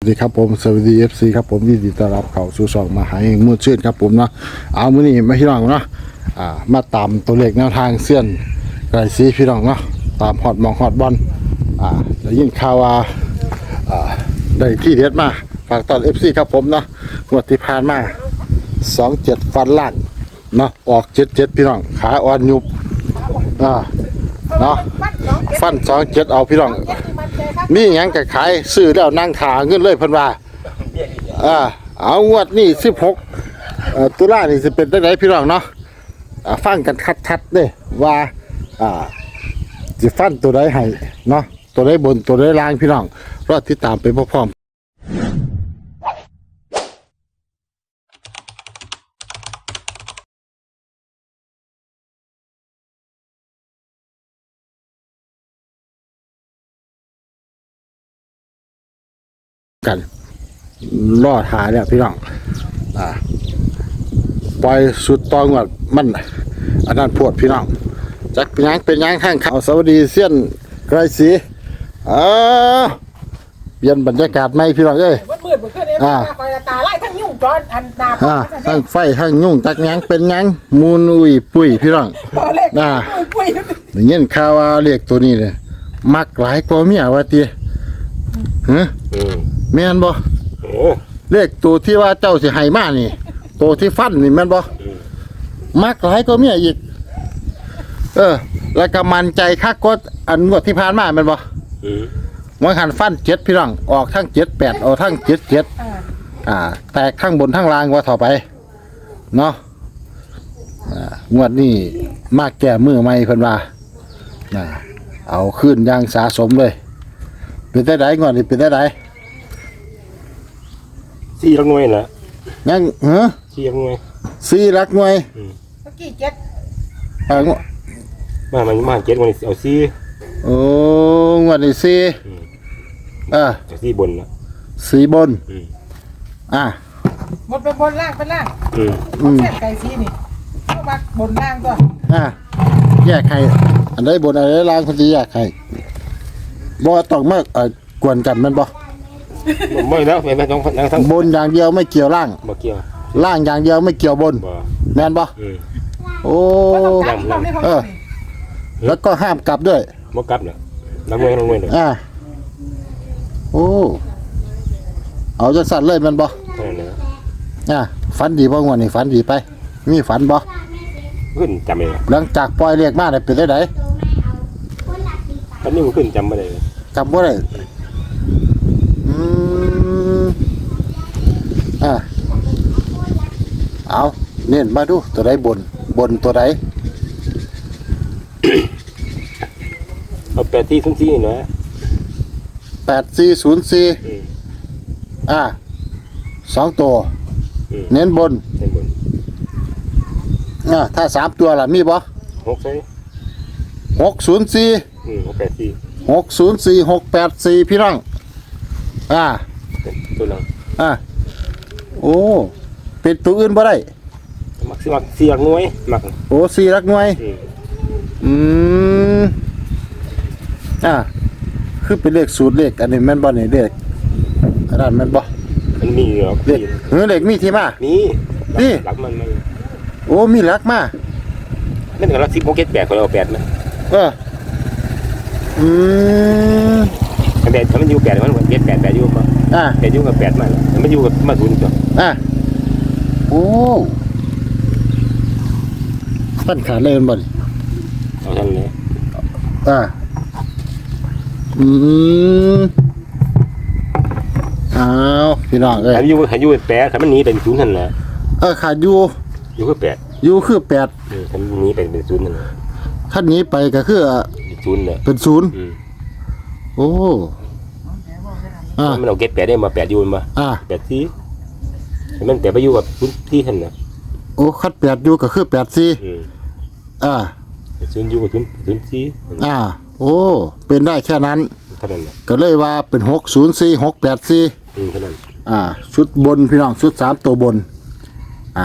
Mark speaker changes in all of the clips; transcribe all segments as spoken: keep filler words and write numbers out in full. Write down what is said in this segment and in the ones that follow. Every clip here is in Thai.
Speaker 1: สวัสดีครับผมสวัสดีเอฟซีครับผมยินดีต้อนรับเข้าสู่ช่องมาหาเองมือชื่นครับผมเนาะเอามื้อนี้มาพี่น้องเนาะอ่ามาตามตัวเลขแนวทางเส้นไกรซีพี่น้องเนาะตามฮอดมองฮอดบอลอ่าได้ยินข่าวว่าอ่าได้ที่เด็ดมาฝากตอน เอฟ ซี ครับผมเนาะงวดที่ผ่านมาสองเจ็ดฟันล่างเนาะออกเจ็ดเจ็ดพี่น้องขาอ่อนยุบอ่าเนาะฟันสองเจ็ดเอาพี่น้องมีหยังก็ขายซื้อแล้วนั่งถาเงินเลยเพิ่นว่าอ่าเอางวดนี้สิบหกเอ่อตุลานี่สิเป็นจังไดพี่น้องเนาะอ่าฟังกันชัดๆเด้ว่าอ่าสิฟันตัวใดให้เนาะตัวใดบนตัวใดล่างพี่น้องรอติดตามไปพร้อมๆกันรอหาเนี่ยพี่น้องอ่าปล่อยสุดตองวดมันอันนั้นพวดพี่น้องจักเป็นหยังเป็นหยังข้างเขาสวัสดีเสี้ยนไกรศรีอ่าเปลี่ยนบรรยากาศใหม่พี่น้องเอ้ย
Speaker 2: มืดๆขึ้นเองคอยตาไล่ทั้งยุ่งจอนอันดาบ
Speaker 1: อ่าทั้งไฟทั้งยุ่งจักหยังเป็นหยังมูนอุ้ยปุ้ยพี่น้องอ่าอย่างเงี้ยข่าวว่าเรียกตัวนี้เลยมักหลายกว่าเมียว่าติฮะแม่นบ่เลขตัวที่ว่าเจ้าสิให้มานี่ตัวที่ฟันนี่แม่นบ่มักหลายกว่าเมียอีกเออแล้วก็มั่นใจคักกว่าอันงวดที่ผ่านมาแม่นบ่มันหันฟันเจ็ดพี่น้องออกทั้งเจ็ดแปดออกทั้งเจ็ดเจ็ดอ่าแตกทั้งบนทั้งล่างว่าต่อไปเนาะอ่างวดนี้มาแก้มือใหม่เพิ่นว่าอ่าเอาขึ้นอย่างสะสมเลยเป็นได้ไดงวดนี้เป็นได้ได
Speaker 3: สี่ลักหน่วยนะ
Speaker 1: ยังเหรอ
Speaker 3: สี่ลักหน่วย
Speaker 1: สี่ลักหน่วย
Speaker 2: เมื่อกี้เจ็ด
Speaker 1: อ่า
Speaker 3: มามันมาเจ็ดวันนี้เอาสี่
Speaker 1: โอ้งวดนี้สี่อ่า
Speaker 3: สี่บนนะ
Speaker 1: สี่บนอ่า
Speaker 2: หมดเป็นบนล่างเป็นล่าง
Speaker 3: อืม
Speaker 2: อืมเส้นไก่ซีนี่เข้ามาบนล่างก็
Speaker 1: อ่าแยกใครอันใดบนอันใดล่างคนที่แยกใครบ่ต้องมาเอ่อกวนกันแม่นบ่
Speaker 3: ไม่แล้วไม่ไม่ต้องทั้ง
Speaker 1: บนอย่างเดียวไม่เกี่ยวล่าง
Speaker 3: บ่เกี่ยว
Speaker 1: ล่างอย่างเดียวไม่เกี่ยวบนแม่นบ่โอ้เออแล้วก็ห้ามกลับด้วย
Speaker 3: บ่กลับน่ะลักหน่วยลักหน่วยน่ะ
Speaker 1: อ่าโอ้เอาจังสั่นเลยแม่นบ่อ่าฝันดีบ่งวดนี้ฝันดีไปมีฝันบ่
Speaker 3: ขึ้นจำไม่ได้
Speaker 1: หลังจากปล่อยเลขมาได้เป็นได้ได
Speaker 3: ตอนนี้มันขึ้นจำไม่ได้
Speaker 1: จำบ่ได้อืมอ่าเอาเน้นมาดูตัวใดบนบนตัวใด
Speaker 3: เอาแปดที่ซุ้มซี่นะ
Speaker 1: แปดสี่ศูนย์สี่อ่าสองตัวเน้นบน
Speaker 3: เน้นบน
Speaker 1: อ่าถ้าสามตัวล่ะมีบ่
Speaker 3: หกใช่
Speaker 1: หกศูนย์สี่
Speaker 3: อืมหกแปดสี่
Speaker 1: หกศูนย์สี่หกแปดสี่พี่น้องอ่า
Speaker 3: ตัวนึง
Speaker 1: อ่าโอ้เป็นตัวอื่นบ่ได้
Speaker 3: มักสิมักสี่ลักหน่วยมัก
Speaker 1: โอ้สี่ลักหน่วยอืมอ่าคือเป็นเลขสูตรเลขอันนี้แม่นบ่นี่เลขอันนั้นแม่นบ่
Speaker 3: มันมีเหรอ
Speaker 1: เลขเออเลขมีที่มา
Speaker 3: มี
Speaker 1: นี่
Speaker 3: หลักมันมัน
Speaker 1: โอ้มีหลักมา
Speaker 3: นั่นก็หลักสิบหกเจ็ดแปดเขาเอาแปดนะ
Speaker 1: เอออืม
Speaker 3: แปดถ้ามันอยู่แปดมันเจ็ดแปดแปดอยู่มั้ง
Speaker 1: อ่า
Speaker 3: แปดอยู่กับแปดมามันอยู่กับมาศูนย์จ้ะ
Speaker 1: อ่าโอ้ฟันขาดเลยมันบ่นี่
Speaker 3: เอาท่านเลย
Speaker 1: อ่าอืมอ้าวพี่น้องเอ้ย
Speaker 3: ขาอยู่ขาอยู่แปดขามันหนีเป็นศูนย์นั่นแหละ
Speaker 1: เออขาดอยู่
Speaker 3: อยู่คือแปด
Speaker 1: อยู่คือแปด
Speaker 3: เออขาหนีเป็นเป็นศูนย์นั่นแหละ
Speaker 1: ท่านนี้ไปก็คือ
Speaker 3: ศูนย์เลย
Speaker 1: เป็นศูนย์โอ้
Speaker 3: อ่ามันเอาเก็ตแปดได้มาแปดอยู่มา
Speaker 1: อ่า
Speaker 3: แปดที่มันแปดไปอยู่กับศูนย์ที่ท่านนะ
Speaker 1: โอ้คัดแปดอยู่ก็คือแปดสี่อ่า
Speaker 3: ศูนย์อยู่กับศูนย์ศูนย์สี่
Speaker 1: อ่าโอ้เป็นได้แค่นั้น
Speaker 3: เท่านั้น
Speaker 1: ก็เลยว่าเป็นหกศูนย์สี่หกแปดสี่
Speaker 3: เท่านั้น
Speaker 1: อ่าชุดบนพี่น้องชุดสามตัวบนอ่า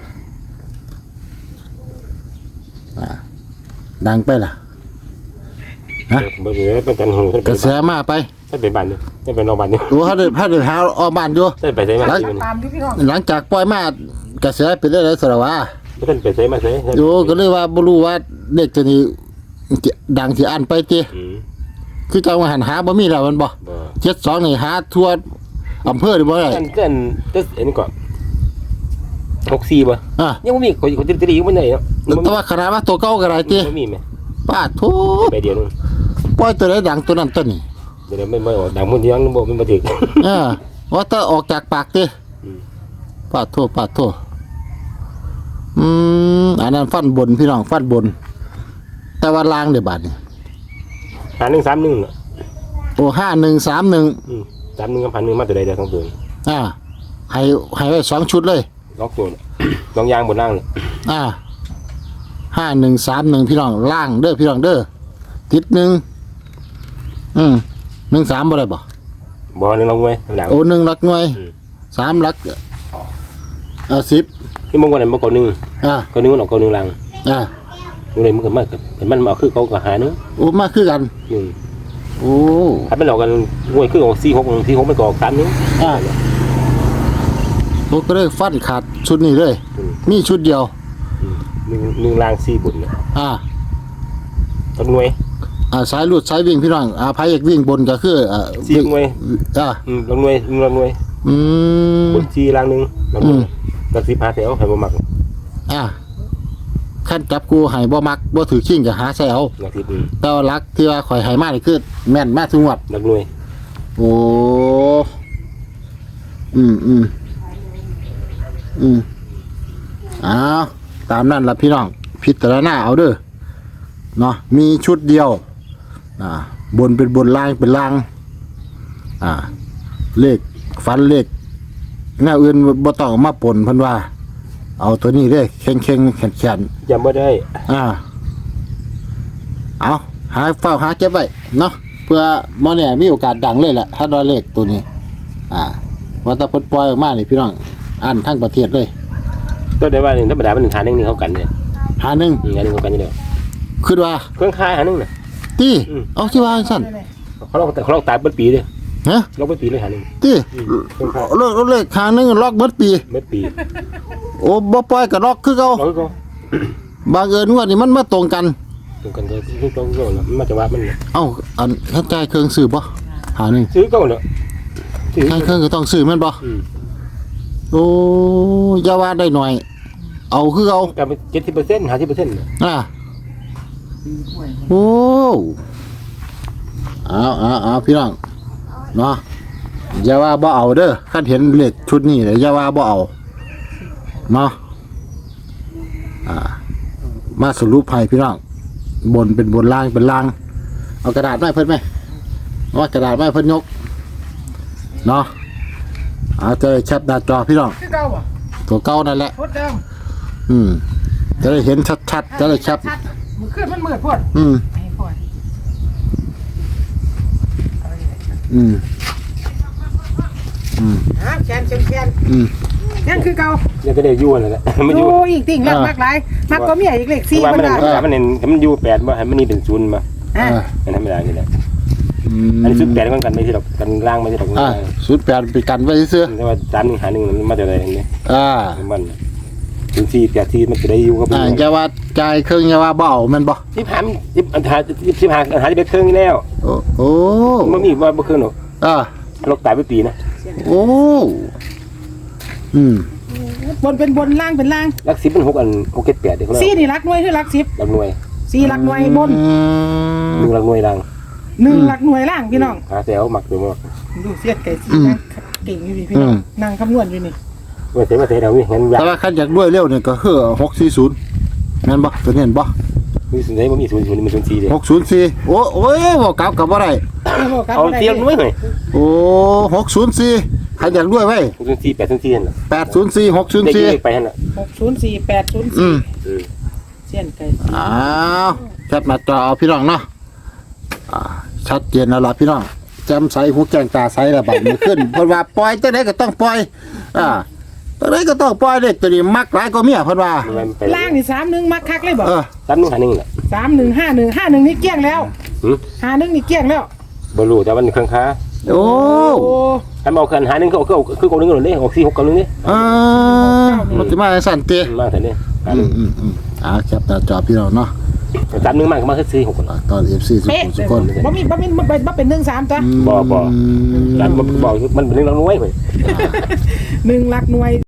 Speaker 1: อ่าดังไปล่ะฮะกระแสมาไป
Speaker 3: ถ้าเป็นบ้านนี่ถ้าเป็นนอกบ้านนี่
Speaker 1: โอ้ถ้าเดินถ้าเดินหาออกบ้านอยู่
Speaker 3: ถ้าไปใส่มาที่มัน
Speaker 2: ตามอยู่พี่น้อง
Speaker 1: หลังจากปล่อยมากระแสเป็นได้เลยสระวะ
Speaker 3: ไม่ท่านไปใส่มาใส่
Speaker 1: โยก็เลยว่าบ่รู้ว่าเด็กตัวนี้ดังสิอันไปติ
Speaker 3: อืม
Speaker 1: คือจังว่าหันหาบ่มีแล้วมันบ่
Speaker 3: บ่
Speaker 1: เจ็ดสองนี่หาทั่วอำเภอนี่บ่ได้
Speaker 3: ท่านท่านจะเอ็นก่อนหกสี่บ่
Speaker 1: อ่ะ
Speaker 3: ยังไม่มีคนคนตีอยู่บนไหนเนาะ
Speaker 1: แต่ว่าขนาดว่าตัวเก่าก็ได้ติ
Speaker 3: ไม่มีไหม
Speaker 1: ป้าโธ่
Speaker 3: ไปเดียวนึง
Speaker 1: ปล่อยตัวใดดังตัวนั้นตัวนี้
Speaker 3: เดี๋ยวไม่ไม่ออกดังมันยังบ่มันมาถึง
Speaker 1: เออว่าแต่ออกจากปากติ
Speaker 3: อืม
Speaker 1: ป้าโธ่ป้าโธ่อืมอันนั้นฟันบนพี่น้องฟันบน แต่ว่าล่างเด้บาดนี้
Speaker 3: หาหนึ่งสามหนึ่งอ่ะ
Speaker 1: โอ้ห้าหนึ่งสามหนึ่ง
Speaker 3: อืมสามหนึ่งกับพันหนึ่งมาตัวใดเดียวสองตัว
Speaker 1: อ่าให้ให้ไว้สองชุดเลย
Speaker 3: ล็อกตัวลองยางบนล่างเลย
Speaker 1: อ่าห้าหนึ่งสามหนึ่งพี่น้องล่างเด้อพี่น้องเด้อติดหนึ่งอืมหนึ่งสามบ่ได้บ่
Speaker 3: บ่หนึ่งลงไว้หลัง
Speaker 1: โอ้หนึ่งหลักหน่วย
Speaker 3: อืม
Speaker 1: สามหลักเออสิบ
Speaker 3: ที่มงคลนั้นบ่ก่อนหนึ่ง
Speaker 1: อ่า
Speaker 3: ก่อนหนึ่งมันออกก่อนหนึ่งลัง
Speaker 1: อ่า
Speaker 3: ตรงนี้มันก็มากเห็นมันมาคือเขาก็หาเนื้อ
Speaker 1: โอ้มาคือกัน
Speaker 3: หนึ่ง
Speaker 1: โอ้
Speaker 3: ถ้าเป็นหลอกกันงวยคือของสี่หกสี่หกไม่ก่อสามนิ้ว
Speaker 1: อ่าโอ้ก็เลยฟันขาดชุดนี้เลย
Speaker 3: อืม
Speaker 1: มีชุดเดียว
Speaker 3: อืมหนึ่งหนึ่งลางสี่บุญเนี่ย
Speaker 1: อ่า
Speaker 3: ต้นหน่วย
Speaker 1: อ่าสายลูดสายวิ่งพี่น้องอ่าพายเอกวิ่งบนก็คืออ่า
Speaker 3: สี่หน่วย
Speaker 1: อ่า
Speaker 3: อืมลงหน่วยลงหน่วย
Speaker 1: อืม
Speaker 3: บุญสี่ลางหนึ่งลงหน่วยตัดสิบห้าแถวให้บ่มัก
Speaker 1: อ่าขั้นจับกูให้บ่มักบ่ถือขิ้งก็หาใส่เอา
Speaker 3: หลักสิบอืม
Speaker 1: แต่ว่ารักที่ว่าข่อยให้มานี่คือแม่นมาทุกงวด
Speaker 3: หลักหน่วย
Speaker 1: โอ้อืมอืมอืมอ้าวตามนั้นล่ะพี่น้องพิจารณาเอาเด้อเนาะมีชุดเดียวอ่าบนเป็นบนล่างเป็นล่างอ่า เลขฟันเลขแนวอื่นบ่ต้องเอามาปนเพิ่นว่า เอาตัวนี้เด้เข่งๆแข็งๆ
Speaker 3: จำไม่ได้
Speaker 1: อ่า เอาหาเฝ้าหาเก็บไว้เนาะเพื่อหมอเนี่ยมีโอกาสดังเลยแหละถ้าดอเลขตัวนี้ อ่าว่าแตะพดปล่อยออกมานี่พี่น้องอ่านทั้งประเทศเลย
Speaker 3: ก็ได้ว่าหนึ่งธรรมดาเป็นหนึ่งหาหนึ่งนี่เขากันเนี่ย
Speaker 1: หาหนึ่ง
Speaker 3: อืมหาหนึ่งเขากันนี่เดียว
Speaker 1: คือว่า
Speaker 3: เครื่องคายหาหนึ่งน่ะ
Speaker 1: ตี
Speaker 3: อืม
Speaker 1: เอาที่ว่าสั่น
Speaker 3: เขาลอกเขาลอกตายเบิดปีเลย
Speaker 1: ฮะ
Speaker 3: ลอกเบิดปีเลยหาหนึ่ง
Speaker 1: ตี
Speaker 3: อืมเครื่องคาย
Speaker 1: เลขเลขหาหนึ่งล็อกเบิดปี
Speaker 3: เบิดปี
Speaker 1: โอ้บ่ปล่อยก็ล็อกคือเก่า
Speaker 3: ลอกก็
Speaker 1: บางเอิญว่านี่มันมาตรงกัน
Speaker 3: ตรงกันก็คือตรงกันแล้วมันมาจะว่ามันเนี่ย
Speaker 1: เอ้าอันถ้าจ่ายเครื่องซื้อบ่หาหนึ่ง
Speaker 3: ซื้อก็เนาะซื้อ
Speaker 1: จ่ายเครื่องก็ต้องซื้อแม่นบ่
Speaker 3: อืม
Speaker 1: โอ้อย่าว่าได้หน่อย เอาคือเอา
Speaker 3: แต่เป็นเจ็ดสิบเปอร์เซ็นต์ห้าสิบเปอร์เซ็นต์
Speaker 1: อ่าโอ้เอาเอาเอาพี่น้องเนาะอย่าว่าบ่เอาเด้อคันเห็นเลขชุดนี้เลยอย่าว่าบ่เอาเนาะอ่า มาสรุปให้พี่น้องบนเป็นบนล่างเป็นล่าง เอากระดาษมาให้เพิ่นไหมเอาว่ากระดาษมาให้เพิ่นยกเนาะเอาจะได้แคปหน้าจอพี่น้อง
Speaker 2: คือเก่าบ่
Speaker 1: ตัวเก่านั่นแหละ
Speaker 2: พดเดิม
Speaker 1: อืมจะได้เห็นชัดๆจะได้แคป
Speaker 2: ชัดๆมือขึ้นมันมืดพด
Speaker 1: อืม
Speaker 2: ไอ้พด
Speaker 1: อืม อืม
Speaker 2: ฮะแขนเชียนแขน
Speaker 1: อืม
Speaker 2: นั่นคือเก่า
Speaker 3: เนี่ยก็ได้ยู่นั่นแหละมันอ
Speaker 2: ดู
Speaker 3: ยู่
Speaker 2: อีกติ่งรัก
Speaker 1: อ่าม
Speaker 2: มากหลายมักก็มีอีกเลข
Speaker 3: คื
Speaker 2: สี่
Speaker 3: อว่า
Speaker 2: มั
Speaker 3: มัน น
Speaker 2: ได้
Speaker 3: ธรรมดามันเน้นมันอยู่แปดว่าให้มันนี่เป็นศูนย์มา
Speaker 2: อ่า
Speaker 1: อ่า
Speaker 3: มันธรรมดานี่แหละ
Speaker 1: อืม
Speaker 3: อันนี้ศูนย์แปดกันกันไม่ใช่หรอกกันล่างไม่ใช่หรอก
Speaker 1: อ่าศูนย์แปดไปกันไว้ซื้อ
Speaker 3: แต่ว่าสามหนึ่งหาหนึ่งมันมาจากอะไรเนี่ย
Speaker 1: อ่า
Speaker 3: มันถึงสี่แปดที่มันจะได้อยู่กับ
Speaker 1: อ่าอย่าว่าจ่ายเครื่องอย่าว่าเบเอาแมันบ่
Speaker 3: สิบห้าสิบอันหาสิบห้าอันหาที่เป็นเครื่องนี่แล้ว
Speaker 1: โอ้โอ้
Speaker 3: มันมีว่าบ่เครื่องหรอก
Speaker 1: อ่า
Speaker 3: ลกตายไปปีนะ
Speaker 1: โอ้อืม
Speaker 2: บนเป็นบนล่างเป็นล่าง
Speaker 3: ลักสิบมันหกอันหกเจ็ดแปดเดี๋ยวเขาเรีย
Speaker 2: สี่
Speaker 3: ก
Speaker 2: นี่รักหน่วยคือรักสิบ
Speaker 3: ลักหน่วย
Speaker 2: สี่รักหน่วยบน
Speaker 1: อืม
Speaker 3: หนึ่งลักหน่วยลัง
Speaker 2: หนึ่งรักหน่วยล่างพี่น้อง
Speaker 3: หาแถวหมักตัวมั้ง
Speaker 2: ดูเสียดไก่สีนั่งเก่งอยู่นี่พี่น้องนั่งคำนวณอยู่นี่
Speaker 3: ว่าเสียมาเสียเดี๋ยวนี้เห็นยา
Speaker 1: แต่ว่าคันอยากด้วยเร็วเนี่ยก็คือหกสี่ศูนย์แม่นบ่ตัวนี้เห็นบ่
Speaker 3: มีส่วนไหนบ่มีศูนย์ศูนย์มันศูนย์สี่เลย
Speaker 1: หกศูนย์สี่โอ้โอ้ยบ่กลับกับบ่ได้
Speaker 3: เอาเสียหน่วยหน่อย
Speaker 1: โอ้หกศูนย์สี่ใครอยากด้วยไว้
Speaker 3: ศูนย์สี่แปดศูนย์สี่นั่นแหละ
Speaker 1: แปดศูนย์สี่หกศูนย์
Speaker 3: ได้
Speaker 1: สี่
Speaker 3: ยิงไปนั่นแหละ
Speaker 2: หกศูนย์สี่แปดศูนย์
Speaker 1: อื
Speaker 2: สี่
Speaker 1: ม
Speaker 3: อืม
Speaker 2: เสียนไก่
Speaker 1: อ้าวแคปมาจอเอาพี่น้องเนาะอ่าชัดเจนแล้วล่ะพี่น้องจำใสหูแกงตาใสระบาดมือขึ้น เพิ่นว่าปล่อยตัวไหนก็ต้องปล่อยอ่าตัวไหนก็ต้องปล่อยเด็กตัวนี้มักหลายก็เมียเพิ่นว่า
Speaker 3: มันไป
Speaker 2: ล่างนี่สามหนึ่งมักคักเลยบอก
Speaker 1: เออ
Speaker 3: สามหนึ่งหาหนึ่งแหละ
Speaker 2: สามหนึ่งห้าหนึ่งห้าหนึ่งนี่เกลี้ยงแล้ว
Speaker 3: หืม
Speaker 2: ห้าหนึ่งนี่เกลี้ยงแล้ว
Speaker 1: อ
Speaker 3: บรูแต่มันเครื่องค้า
Speaker 1: โอ้
Speaker 2: โอ้
Speaker 3: ถ้าเอาคันหาหนึ่งเขาเขาคือคนหนึ่งหล่นเลยออกสี่หกเก้าหนึ่งนี่
Speaker 1: อ่ามันจะมาสั่นเตะ
Speaker 3: มาแต่เนี่ย
Speaker 1: อืมอืมอืมอ่าแคปหน้าจอพี่น้องเนาะ
Speaker 3: สามหนึ่งมากก็มาแค่สี่หกคน
Speaker 1: อ่าตอน เอฟ ซี ทุก
Speaker 2: เป๊ะ
Speaker 1: คนทุ
Speaker 2: เล
Speaker 1: ก
Speaker 2: ย
Speaker 1: คน
Speaker 2: บ่มีบ่มีบ่เป็นบ่เป็นหนึ่งสามจ้ะ
Speaker 3: บ่บ่ แล้วมันบอกมันเป็นเรื่องน้อยไป
Speaker 2: หนึ่งหลักหน่วย